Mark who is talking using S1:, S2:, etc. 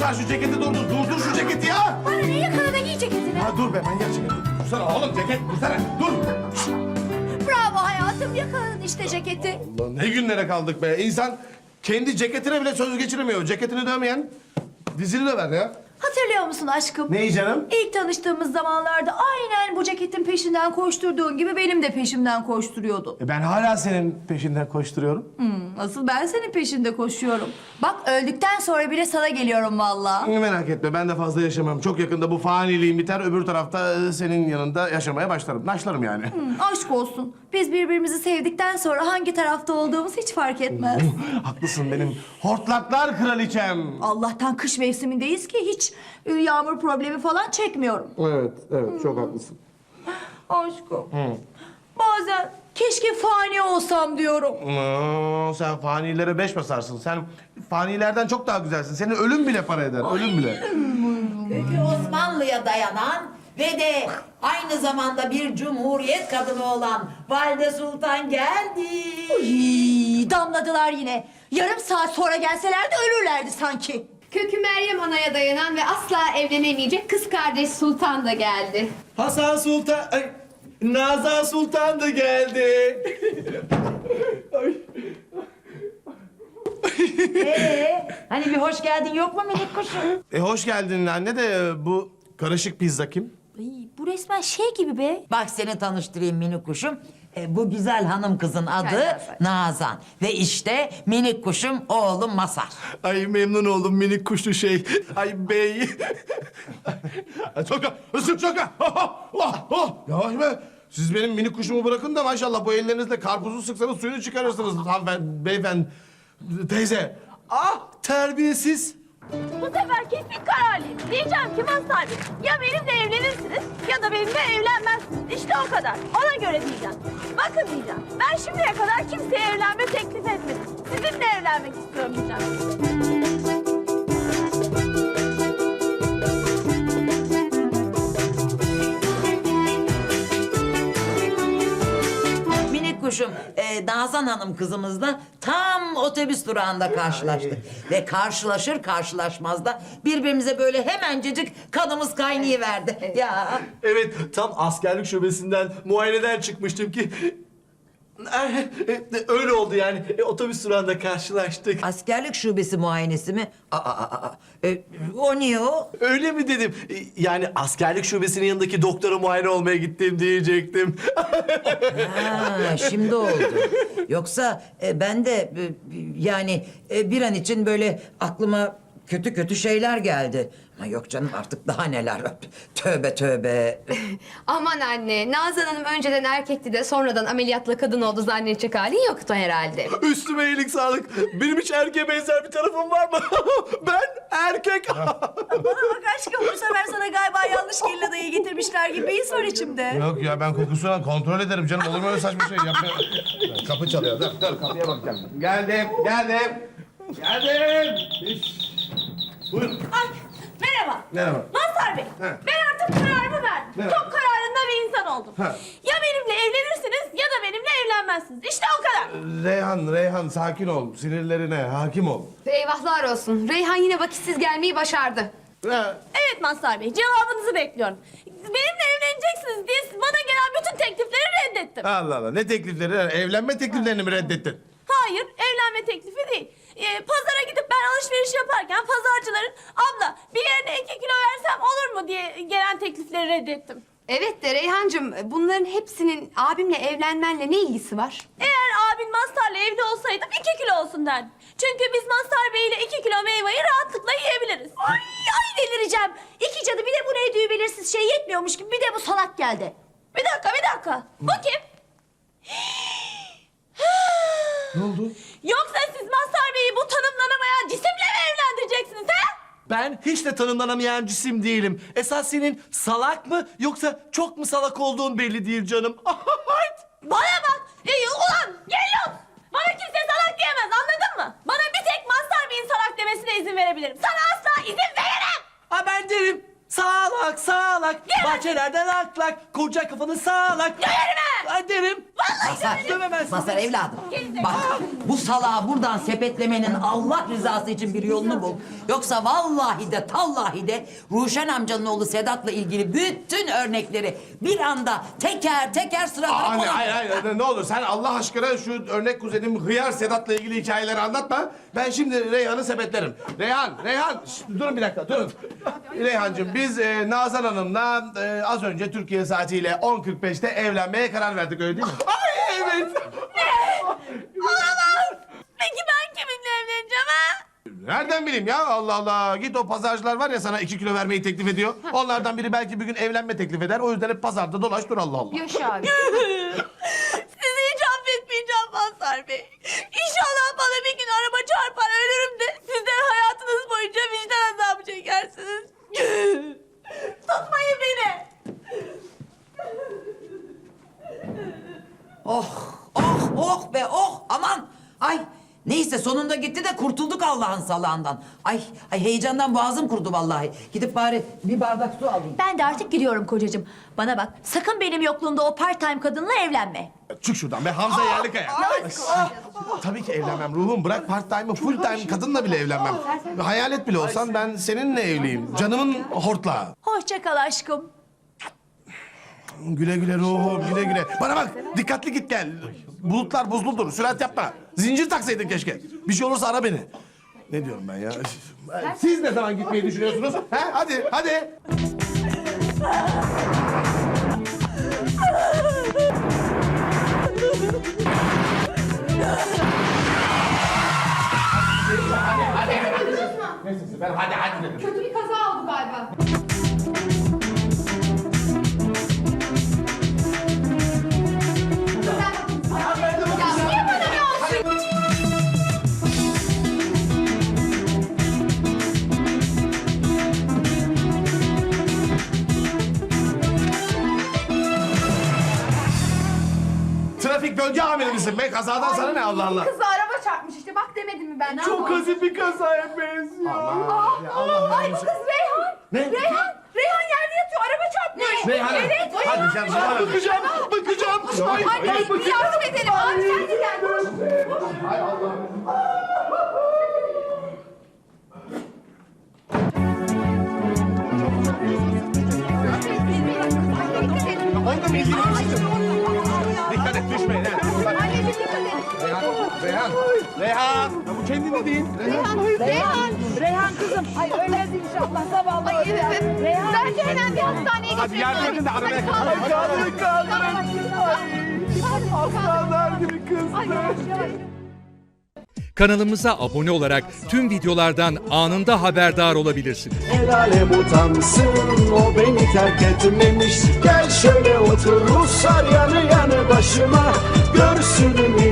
S1: sen şu ceketi durdur. Durdur şu ceketi ya.
S2: Bana ne, yakala da giy ceketini.
S1: Ha dur be manyak ceket. Dursana oğlum ceket dursana. Dur.
S2: Bravo hayatım, yakaladın işte ceketi.
S1: Allah ne günlere kaldık be. İnsan kendi ceketine bile söz geçiremiyor. Ceketini dövmeyen dizini döver ya.
S2: Hatırlıyor musun aşkım?
S1: Neyi canım?
S2: İlk tanıştığımız zamanlarda aynen bu ceketin peşinden koşturduğun gibi benim de peşimden koşturuyordun.
S1: Ben hala senin peşinden koşturuyorum.
S2: Asıl ben senin peşinde koşuyorum. Bak öldükten sonra bile sana geliyorum vallahi.
S1: Merak etme ben de fazla yaşamam. Çok yakında bu faniliğim biter. Öbür tarafta senin yanında yaşamaya başlarım. Naşlarım yani.
S2: Aşk olsun. Biz birbirimizi sevdikten sonra hangi tarafta olduğumuz hiç fark etmez.
S1: Haklısın benim hortlaklar kraliçem.
S2: Allah'tan kış mevsimindeyiz ki hiç yağmur problemi falan çekmiyorum.
S1: Evet çok haklısın.
S2: Aşkım. Bazen keşke fani olsam diyorum.
S1: Sen fanilere beş basarsın. Sen fanilerden çok daha güzelsin. Senin ölüm bile para eder. Ölüm bile.
S3: Kökü Osmanlı'ya dayanan ve de aynı zamanda bir cumhuriyet kadını olan Valide Sultan geldi.
S2: Damladılar yine. Yarım saat sonra gelselerdi ölürlerdi sanki.
S4: Kökü Meryem Ana'ya dayanan ve asla evlenemeyecek kız kardeş Sultan da geldi.
S5: Hasan Sultan, ay, Nazan Sultan da geldi.
S3: Hani bir hoş geldin yok mu minik kuşum?
S1: Hoş geldin anne de bu karışık pizza kim?
S2: Ay, bu resmen şey gibi be.
S3: Bak seni tanıştırayım minik kuşum. Bu güzel hanım kızın adı
S2: Nazan.
S3: Nazan. Ve işte minik kuşum oğlum Masar.
S5: Ay memnun oldum minik kuşlu şey. Ay bey.
S1: Çoka, ısır çoka. Yavaş be. Siz benim minik kuşumu bırakın da maşallah bu ellerinizle karpuzu sıksanız suyunu çıkarırsınız hanımefendi, beyefendi, teyze.
S5: Ah terbiyesiz.
S6: Bu sefer kesin kararlıyım. Diyeceğim ki Mazhar Bey, ya benimle evlenirsiniz ya da benimle evlenmezsiniz. İşte o kadar. Ona göre diyeceğim. Bakın diyeceğim. Ben şimdiye kadar kimseye evlenme teklif etmedim. Sizinle evlenmek istiyorum diyeceğim.
S3: Minik kuşum Nazan hanım kızımızla tam otobüs durağında karşılaştık. Ve karşılaşır karşılaşmaz da birbirimize böyle hemencecik kanımız kaynayıverdi. Ya.
S5: Evet tam askerlik şubesinden muayeneden çıkmıştım ki... Öyle oldu yani. Otobüs durağında karşılaştık.
S3: Askerlik şubesi muayenesi mi? O niye o?
S5: Öyle mi dedim? Yani askerlik şubesinin yanındaki doktora muayene olmaya gittim diyecektim.
S3: Ha, şimdi oldu. Yoksa ben de yani bir an için böyle aklıma kötü kötü şeyler geldi. Ama yok canım artık daha neler. Tövbe tövbe.
S4: Aman anne, Nazan Hanım önceden erkekti de sonradan ameliyatla kadın oldu zannedecek halin yoktu herhalde.
S5: Üstüme iyilik sağlık. Benim hiç erkeğe benzer bir tarafım var mı? Ben erkek.
S2: Bana bak aşkım, bu sefer sana galiba yanlış kelladayı getirmişler gibi bir his var içimde.
S1: Yok ya ben kokusunu kontrol ederim canım. Olur mu öyle saçma şey yapma. Kapı çalıyor. Dur kapıya bakacağım. Geldim. Buyurun.
S6: Ay, merhaba.
S1: Merhaba.
S6: Mazhar Bey,
S1: He.
S6: ben artık kararımı verdim.
S1: Merhaba.
S6: Çok kararında bir insan oldum.
S1: He.
S6: Ya benimle evlenirsiniz ya da benimle evlenmezsiniz. İşte o kadar.
S1: Reyhan sakin ol. Sinirlerine hakim ol.
S4: Eyvahlar olsun. Reyhan yine vakitsiz gelmeyi başardı.
S1: Ha,
S6: Evet Mazhar Bey, cevabınızı bekliyorum. Benimle evleneceksiniz diye bana gelen bütün teklifleri reddettim.
S1: Allah Allah ne teklifleri? Evlenme tekliflerini mi reddettin?
S6: Hayır, evlenme teklifi değil. Pazara gidip ben alışveriş yaparken pazarcıların abla bir yerine 2 kilo versem olur mu diye gelen teklifleri reddettim.
S4: Evet de Reyhancığım, bunların hepsinin abimle evlenmenle ne ilgisi var?
S6: Eğer abin Mazhar'la evli olsaydım 2 kilo olsun derdim. Çünkü biz Mazhar Bey ile 2 kilo meyveyi rahatlıkla yiyebiliriz.
S2: Ay delireceğim. İki cadı bir de bu ne belirsiz şey yetmiyormuş gibi bir de bu salak geldi.
S6: Bir dakika. Bu kim?
S1: Ne oldu?
S6: Yoksa siz Mazhar Bey'i bu tanımlanamayan cisimle mi evlendireceksiniz ha?
S5: Ben hiç de tanımlanamayan cisim değilim. Esas senin salak mı yoksa çok mu salak olduğun belli değil canım.
S6: Bana bak! Ulan geliyor! Bana kimse salak diyemez anladın mı? Bana bir tek Mazhar Bey'in salak demesine izin verebilirim. Sana asla izin veremem!
S5: Ha ben derim. Sağlak.
S6: Diyemem.
S5: Bahçelerde lak lak. Koca kafanı sağlak.
S6: Döverim ha!
S5: Ha derim.
S6: Vallahi
S3: Mazhar evladım. Bak bu salağı buradan sepetlemenin Allah rızası için bir yolunu bul. Yoksa vallahi de tallahi de Ruşen amcanın oğlu Sedat'la ilgili bütün örnekleri bir anda teker teker sıradan
S1: Anne hayır ne olur sen Allah aşkına şu örnek kuzenim Hıyar Sedat'la ilgili hikayeleri anlatma. Ben şimdi Reyhan'ı sepetlerim. Reyhan durun bir dakika durun. Reyhancığım biz Nazan Hanım'la az önce Türkiye saatiyle 10.45'te evlenmeye karar verdik öyle değil mi? Ay evet.
S6: Olamaz. Peki ben kiminle evleneceğim ha?
S1: Nereden bileyim ya Allah Allah. Git o pazarcılar var ya sana 2 kilo vermeyi teklif ediyor. Onlardan biri belki bir gün evlenme teklif eder. O yüzden hep pazarda dolaş dur Allah Allah.
S4: Yaşa abi.
S6: Sizi hiç affetmeyeceğim Mazhar Bey. İnşallah bana bir gün araba çarpar ölürüm de siz de hayatınız boyunca vicdan azabı çekersiniz. Tutmayın beni.
S3: Oh be oh aman. Ay neyse sonunda gitti de kurtulduk Allah'ın salağından. Ay heyecandan boğazım kurudu vallahi. Gidip bari bir bardak su alayım.
S2: Ben de artık gidiyorum kocacığım. Bana bak, sakın benim yokluğumda o part-time kadınla evlenme.
S1: Çık şuradan be Hamza Yerlikaya. Tabii ki evlenmem ruhum. Bırak part time'ı full time kadınla bile evlenmem. Hayalet bile olsan ben seninle evliyim. Canımın hortlağı.
S2: Hoşça kal aşkım.
S1: Güle güle ruhum güle güle. Bana bak dikkatli git gel. Bulutlar buzludur sürat yapma. Zincir taksaydın keşke. Bir şey olursa ara beni. Ne diyorum ben ya? Siz ne zaman gitmeyi düşünüyorsunuz? He? Hadi. Ne sesi? Ben hadi dedim.
S4: Kötü bir kaza oldu galiba.
S1: Trafik bölge amiri misin be? Kazadan sana ne Allah Allah?
S4: Kızı araba çarpmış işte bak demedim mi ben?
S1: Çok hafif bir kazaya benziyor. Allah
S6: Ay bu kız Reyhan.
S1: Ne?
S6: Reyhan yerde yatıyor araba çarpmış.
S1: Reyhan.
S6: Evet.
S1: Hadi sen bana bakacağım.
S6: Anne bir yardım edelim. Abi sen de gel.
S1: Onda mı ilgili Dikkat et düşmeyin. Reyhan. Ya bu kendinde değil.
S6: Reyhan kızım. Ay ölmez inşallah. Zavallı Reyhan. Bence hemen bir hastaneye
S1: Hadi yardım edin de arabaya kaldır.
S6: Aslanlar gibi kızdı.
S7: Kanalımıza abone olarak tüm videolardan anında haberdar olabilirsiniz.
S8: El alem utansın o beni terk etmemiş. Gel şöyle otur Ruslar yanı yanı başıma. Görsün